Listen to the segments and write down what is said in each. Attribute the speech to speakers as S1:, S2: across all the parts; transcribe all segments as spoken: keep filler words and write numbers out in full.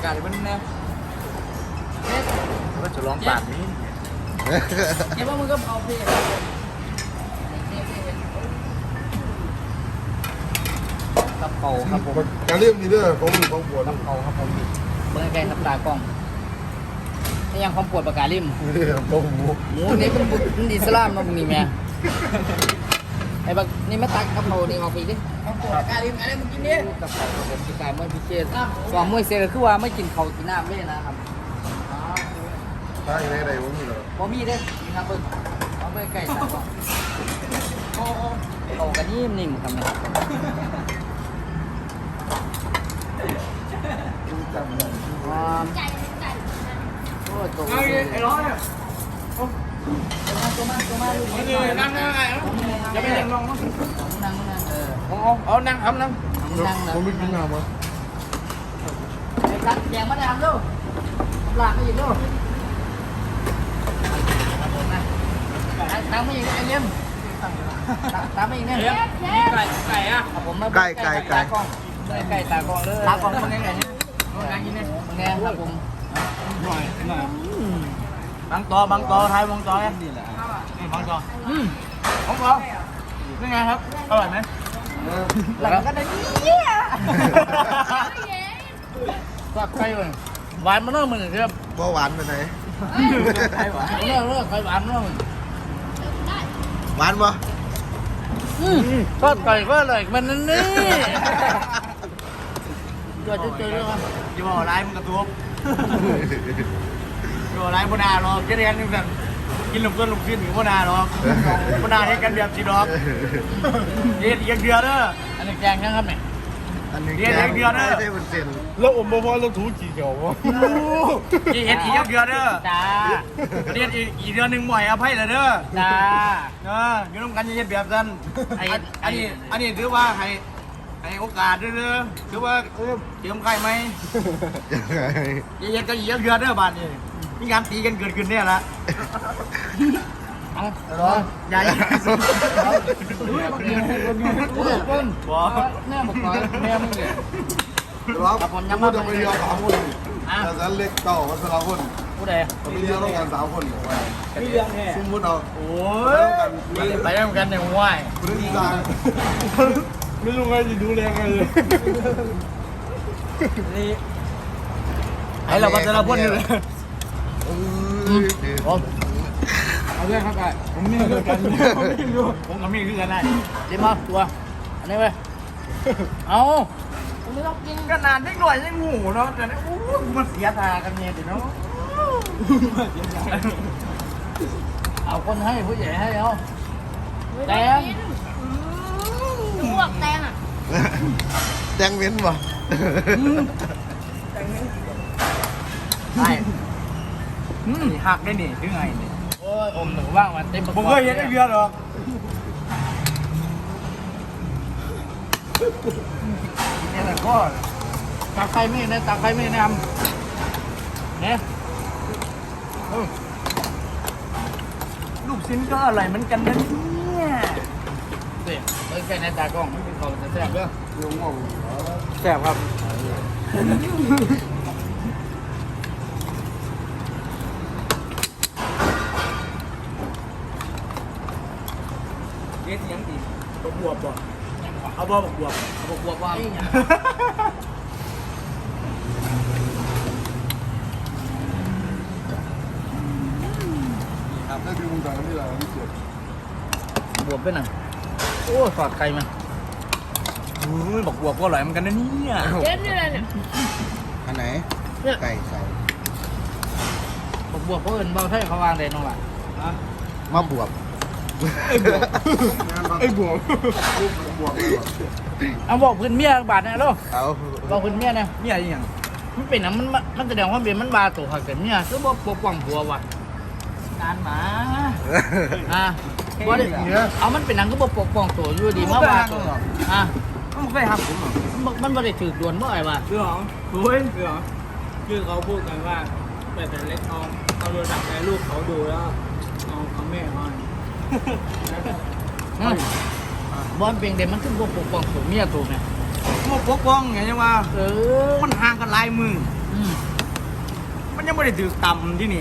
S1: าศมันแน่ก็จะลองปากนี้เก็บว่ามึงก็เอาเพลกับเป่าครับผม
S2: การเรียกมีเด้อของของปวด
S1: กับเป่าครับผมเมื่อไงครับตากล้องนี่ยังความปวดปากกาลิ่ม
S2: นี่ของหมู
S1: หมูนี่เป็นบุตรอิสลามนะมึงนี่แม่ไอ้บักนี่มาตักกับเป่านี่เอาไปดิความปวดปากกาลิ่มอะไรมึงกินเนี่ยกับเป่าผมกินการเมื่อพิเศษสองมื้อเสร็จก็คือว่าไม่กินข้าวกินน้ำเลยนะครับ
S2: ถ้าอย่างไรใดวะมีเหรอ
S1: บ่มีเด้นี่ครับเบิ่งเอาไปไก่ตากล้องโอ้โอ้โอ้กันนิ่มๆครับเนี่ย ความโอ้ตัวไอ้ร้อยตัวมาตัวมาลูกนี่นั่งนั่งไงจะไปนั่งลงมั้งนั่งนั่งเออเอาเอานั่งเอานั่งนั่งนะ
S2: ผมไม่กินน้ำวะ
S1: ไอ้กัดแยงมาดามดูหลากมาอีกดูตั้งมาอีกไอ้เลี้ยมตั้งมาอีกเนี่ยไก่ไก่อะผมมาไก่ไก่ไก่ไก่ตากองเลยตากองมันยังไงเนี่ยมันยังกินเนี่ยมันแง่ครับผมหน่อยหน่อยบางตอบางตอไทยบางตอนี่แหละนี่บางตออืมของเขาเป็นไงครับอร่อยไหมหลังก็ได้เนี่ยสับไก่เลยหวานมันเริ่มเหมือนเดิม
S2: บ่หวานไปไหน
S1: ไก่หวานเริ่มเริ่มไก่หวานเริ่ม
S2: หวานปะ
S1: ก็ไก่ก็อร่อยมันนั่นนี่ตัวจะเจอเรื่องอยู่บ่อไรมันกระตุ้บอยู่บ่อไรบนาหรอกจะเรียนนี่แบบกินลูกเกินลูกชิ้นอยู่บนาหรอกบนาให้กันแบบสีดอกเรียนอีกเดือนเด้ออันนี้แกงยังครับเนี่ย
S2: อันนี้
S1: เรียนอีกเดือนเด้อ
S2: ไม่ได้เป็นเซน
S3: แล้วอมบ่พอแล้วถูจีเขียววะ
S1: กี่เห็ดอีกเดือนเด้อจ้าเรียนอีกอีกเดือนหนึ่งบ่อยอภัยเลยเด้อจ้าเอออยู่ร่วมกันเย็นแบบนั้นอันนี้อันนี้ถือว่าให้ให้โอกาสเด้อถือว่าเจิมใครไหม
S2: ยังไง
S1: เย็นๆก็เยี่ยมเยือนเด้อบ้านนี่มีงานตีกันเกิดขึ้นเนี่ยละเอาเหรอใหญ่บอกแม่บอกก่อนแม่มึงเนี่ย
S2: ครับผมยังไม่ต้องไปเรียนสามคนแต่ฉันเล็กเต่าวัชรพล
S1: ผู้ใด
S2: จะมีเรียนร่วมกันสามคน
S1: มีเรื่องแน่
S2: สมมติเอา
S1: โอ้ยไปได้เหมือนกันเนี่ยว่าย
S2: เรื่องการ
S3: ไม่รู้ไงจะดูแลไงเลย
S1: นี่ไอ้เราวัชรพลอยู่เลยผมเอาเรื่องครับไอ้ผมมีเรื่องกันผมกับมีเรื่องกันได้เดี๋ยวมาตัวอันนี้ไปเอาผมไม่ต้องกินขนาดเล็กหน่อยยังหูเนาะแต่เนี่ยอู้มันเสียทากันเนี่ยเดี๋ยวเนาะเอาคนให้ผู้ใหญ่ให้เอาแตง
S4: หนูบอกแตงอ่ะ
S2: แตงเว้นปะ
S1: ใช่หักได้หนิถึงไงเนี่ยโอ้ยอมหนูว่างมาเต็มผมเคยเห็นไอ้เบียร์หรอกนี่แหละก็ตาใครไม่นะตาใครไม่นำเนี่ยลูกชิ้นก็อร่อยเหมือนกันนะเนี่ยเสียเอ้ยแค่ในตากล้องไม่เป็นของจะแซ่บเด้อ
S2: ลงงง
S1: แซ่บครับเอ๊ะยังดี
S3: บวบบ่เอาบ่บวบ
S1: เอาบวกว่า
S2: ครับได้ดูมุมต่างนี่แหละนี่เสีย
S1: บวกไปหน่อยโอ้สอดไก่มาอุ้ยบอกบวกก็อร่อยเหมือนกันนะเนี่ย
S4: เจ๊นี่อะไรเนี่ย
S2: อันไหนไก่ไก่
S1: บอกบวกเขาเอินเบาใช่เขาวางเลยน้องหล่ะ
S2: มาบวบ
S3: ไอ้บวบ
S2: บวบ
S1: เอาบอกพื้นเมียบาทนะลูก
S2: เอา
S1: บอกพื้นเมียนะเมียยังมันเป็นอ่ะมันมันแสดงว่าเป็นมันบาตัวหักแต่เมียก็บอกปกป้องผัวว่ะการหมาอ่ะบ่ได้เอามันเป็นหนังก็บอกปกป้องตัวอยู่ดีมาบาตัวอ่ะ
S3: มันเคยทำผมหรอ
S1: มันมันบ่ได้ถือดวนบ่ไอ้ว่ะ
S3: เรื่องโอ้ยเรื่องคือเขาพูดกันว่าแต่แต่เล็กเอาเอาโดนดักในลูกเขาดูแล้วเอาเอาแม่เขา
S1: บอลเป็นเด็กมันคือบ่ปกป้องตัวเมียตัวไง
S3: พวกปกป้องไงยังว่า
S1: เออ
S3: มันห่างกันหลายมือ
S1: อ
S3: มันยังไม่ได้ถือต่ำที่นี่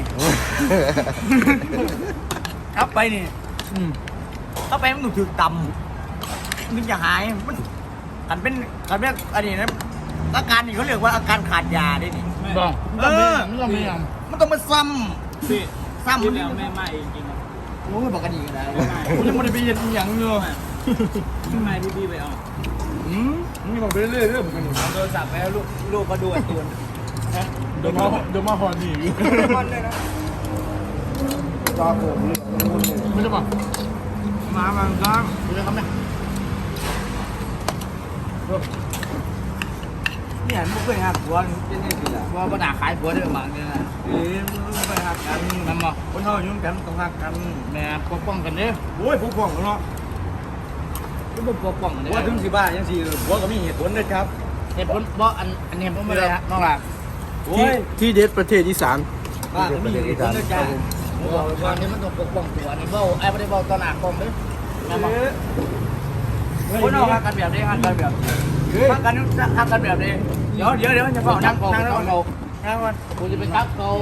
S3: ครับไปนี่ถ้าไปมันถูกถือต่ำมันจะหายมันกันเป็นกันเป็นอันนี้นะอาการนี่เขาเรียกว่าอาการขาดยาได้นี่
S1: บอก
S3: เออ
S1: มันต้องมีอย่าง
S3: มันต้องมาซ้
S5: พี่
S3: ำซ้ำ
S5: ที่
S3: มัน
S5: แล้วแม่มาเองจริงครับ
S3: โอ้ยบอกกันอีกนะคุณยังไม่ได้ไปเย็นอย่างเงย
S5: ทำไมพี่พี่ไปเอา
S3: อืมนี่บอกไปเรื่อยๆเรื่องเหมือนกัน
S5: เอาโทรศัพท์ไปแล้วลูกลูกก็ดูการ์ตูน
S2: เดี๋ยวมาเดี๋ยวมาหอนี
S3: คนเลยนะ
S2: ตาผมเลย
S1: ไม่ได้บอก
S3: มาบางครั้ง
S1: ไม่ได้ครับเนี่ย
S3: เนี่ยมันเคยหักหัวเป็นยังไงล่ะ
S1: ว่าปัญหาขายผัวได้ประมาณนี้นะ
S3: เอ๊ะมันไปหักกัน
S1: นั่นบอก
S3: คนเท่ายุ่งกันต้องหักกัน
S1: แม่ปกป้องกันเด้อ
S3: โอ้ยผู้ป้องเนาะ
S1: ก็บ่ปกป้องเด้อ
S3: ว่าถึงสิบ้ายังสิหัวก็มีเหตุผลด้วยครับ
S1: เหตุผลบ่อันอันนี้ผมไม่ได้ฮะน้องหล่ะ
S3: โอ้ย
S5: ที่เด็ดประเทศอีสาน
S3: บ้าก็มีเหตุผลด้วยจ้า
S1: ผมบอกเลยว่าอันนี้มันต้องปกป้องตัวอันนี้เบ้าไอ้ไม่ได้เบ้าตอนหน้ากล้องเด้อแม่บอก
S3: คนเอาหักกันแบบนี้หักกันแบบหักกันหักกันแบบนี้เดี๋ยวเดี๋ยวเดี๋ยวจะ
S1: บอ
S3: เฝ้าก นั่
S1: นั่
S3: ง
S1: งเขา
S3: นั่ง
S1: นั่ง
S3: นั่ง
S1: เขา
S3: นั่งก่อน
S1: กูจะไปจับเขา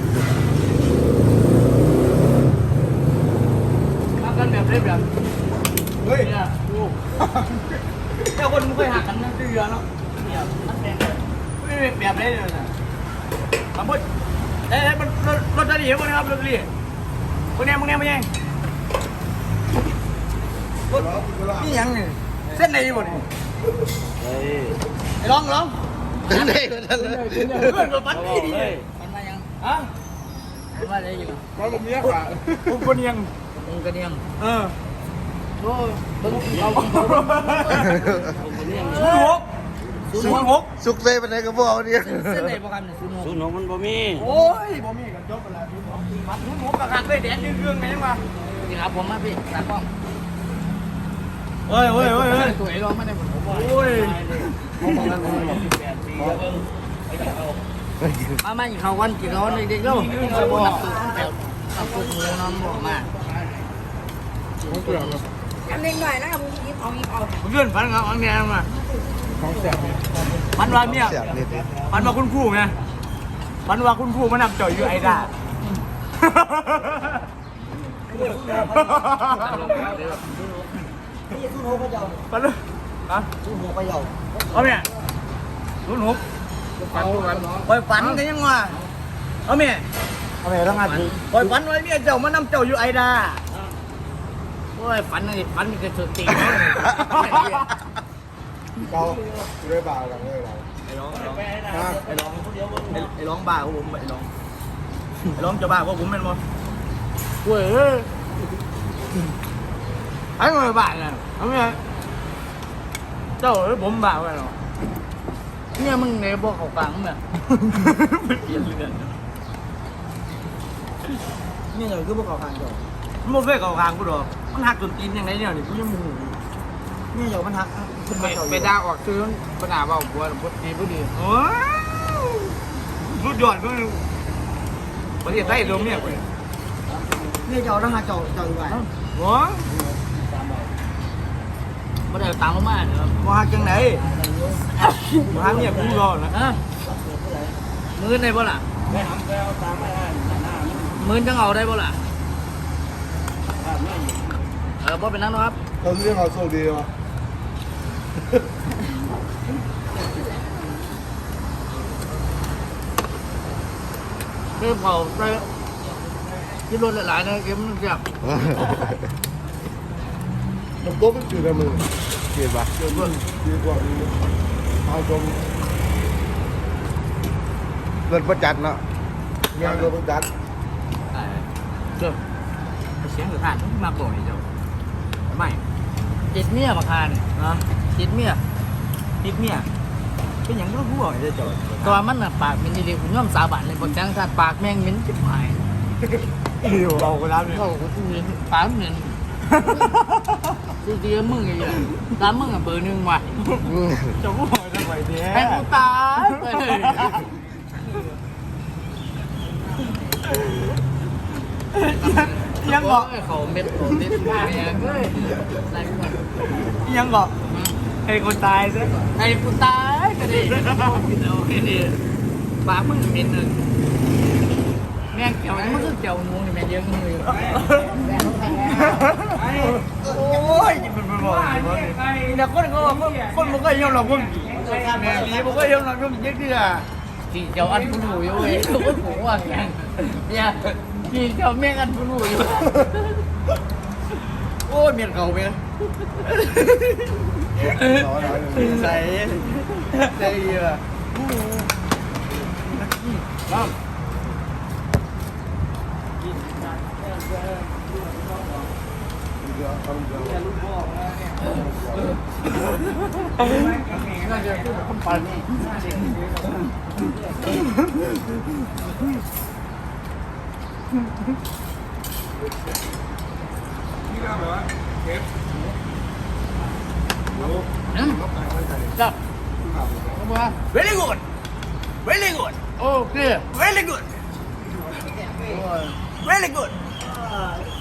S1: หักกันแบบนี้แบบ
S3: เฮ้ย
S1: เนี่ยกู
S3: เจ้าคนมึงเคยหักกันนั่งที่เรือเนาะ
S1: เนี่ยมันแดงเลย
S3: ไม่แบบนี้เลยนะสมมติเอ้ยมันรถรถจะดีมั้งครับรถดีมึงเนี่ยมึงเนี่ยมึงเนี่ยนี่ยังนี่เส้นไหนหมดนี่ไอ้ร้องร้อง
S2: เดี๋ยวได้กันเลย
S3: เพื่อนกับปันนี่ดิ
S1: มันมายัง
S3: ฮะ
S1: มันมาได้อยู่
S2: มาผมเนี้ยค่ะ
S3: ผมคนยัง
S1: มึงกระเนียง
S3: เออ
S1: โอ้ยเบิ้งเขา
S3: ศูนย์หกศูนย์หก
S2: สุกเซ่ไปไหนกับพวกเนี่ย
S1: เส้นไหนประกันเนี่ยศูนย์หก
S5: ศูนย์หกมันบ่มี
S3: โอ้ยบ่มีกันจบไปแล้วศูนย์หกศูนย์หกกระหักเลยแดนยืนเรื่องไงยังวะ
S1: นี่ครับผมมาพี่ตากล้อง
S3: เฮ้ยเฮ้ยเฮ้ยเฮ้ย
S1: ตัวไอ้ร้องไม่ได้ผมบอก
S3: โอ้ย
S1: มามาอีกเขาวันกี่เขาวันเด็กๆแล้วบอกนับตัวแบบนับตัวหมูน้ำบอกมา
S4: อันเล็กหน่อยนะครับมึงยิบเอายิบเอา
S3: เพื่อนฝันเขาอันเนี้ยมา
S2: ของแสบเนี่ย
S3: ฝันว่าเนี่ย
S2: แสบเนี่ย
S3: ฝันว่าคุณครูไงฝันว่าคุณครูมานำจ่อยอยู่ไอ้ด่าฝันเลยฮะ
S1: ศูนย์หกไปเยา
S3: เอาเนี่ยศูนย์หกฝันฝันปล่อยฝันกันยังวะเอาเนี่ย
S1: เอาไปต้องงาน
S3: ปล่อยฝันไว้เนี่ยเจ้ามานำเจ้าอยู่ไอ้ด่า
S1: โอ้ยฝันนี่ฝันมีแต่สุดตี
S2: เราได้บ่าวกันเลยเรา
S3: ไอ้ร้องไอ้ร้องไอ้ร้องบ้าของผมไอ้ร้องไอ้ร้องจะบ้าของผมเป็นมั้ง
S1: เว้ย
S3: ไอ้เงยบ้าเนี่ยเอาไงเจ้าหรือผมบ้ากันหรอ
S1: เนี่ยมึงในบอกเขากลางเนี่ย
S3: เปลี่ยนเรื่อง
S1: นี่เลยคือพวกเขากลางเดียว
S3: มันไม่เฟ้เขาคางกูหรอกมันหักจนตีนยังไงเนี่ยนี่กูยังมู
S1: นี่เดี๋ยวมันหักไปด่าออกคือปัญหาเบาบัวบัวดีบัวดี
S3: โอ้ยสุดยอดก็ประเทศไทยรวมเนี่ยกู
S1: นี่เจ้าต้องหาเจ้าเจ้าอยู่ไหน
S3: โอ้ย
S1: มาเดี๋ยวตามมาเดี๋ยว
S3: มาหักจังไหนมาหักเนี่ยกูรอนะ
S1: ฮะมือได้บ่ล่ะมือจังเอาได้บ่ล่ะเออบ่เป็นนั่นนะครับ
S2: เขาเรียกเราโชคดีวะ
S1: เริ่มเผาไปที่รถหลายๆนะเกมมันเสียบ
S2: มันโต๊ะมันจืดในมือ
S5: เกียรติปะ
S2: เดือดด้วยดีกว่าดีเอาชม
S5: เงินประจัดเนาะ
S2: งานเราเป็นจัด
S1: เชื่อ
S3: เสียงหรือผ่านมาบ่อยเจ้าไม่
S1: จิตเมียมาคาน
S3: นะ
S1: จิตเมีย
S3: ติดเนี่ยเป็นอย่างก็ผู้บ่อยเจ้า
S1: ตัวมันน่ะปากมันดีๆผมย่อมสาบานเลยบอกจังท่านปากแม่งเหม็นจิบหาย
S3: อยู่เราก็รับเนี่ย
S1: เขาก็เหม็นปากเหม็นดีๆมึงไอ้เหี้ยตามมึงอ่ะเบอร์หนึ่งว่ะ
S3: เจ้าผู้บ่อยทำไมเนี่ย
S1: ให้กูตายไปเลย
S3: ยังบอก
S1: เขาเม็ดเขาเม็ดแม่งเฮ้ยอะไรวะ
S3: ยังบอกให้คนตายซะ
S1: ให้กูตายก็ดีเอาแค่นี้ปากมึงเป็นหนึ่งแม่งเกี่ยวนี่มันคือเกี่ยวนูนี่แม่งเยอะมือ
S3: โอ้ยมันมันบอกแต่คนเขาบอกคนมันก็ยอมรับคนแม่ดีมันก็ยอมรับคนเยอะคืออ่ะ
S1: จีเจ้าอันผู้หนูอยู่เว้ยเขาก็ถูกว่าแกงเนี่ยจีเจ้าแม่งอันผู้หนูอยู่
S3: โอ้ยเมียนเขาเมียใส่ใส่เยอะน้ำ
S1: น่าจะพูดกับคนปันนี่
S2: นี่ก็แบบว่าเชฟ
S1: จับมา
S3: very good very good
S1: โอเค
S3: very good very good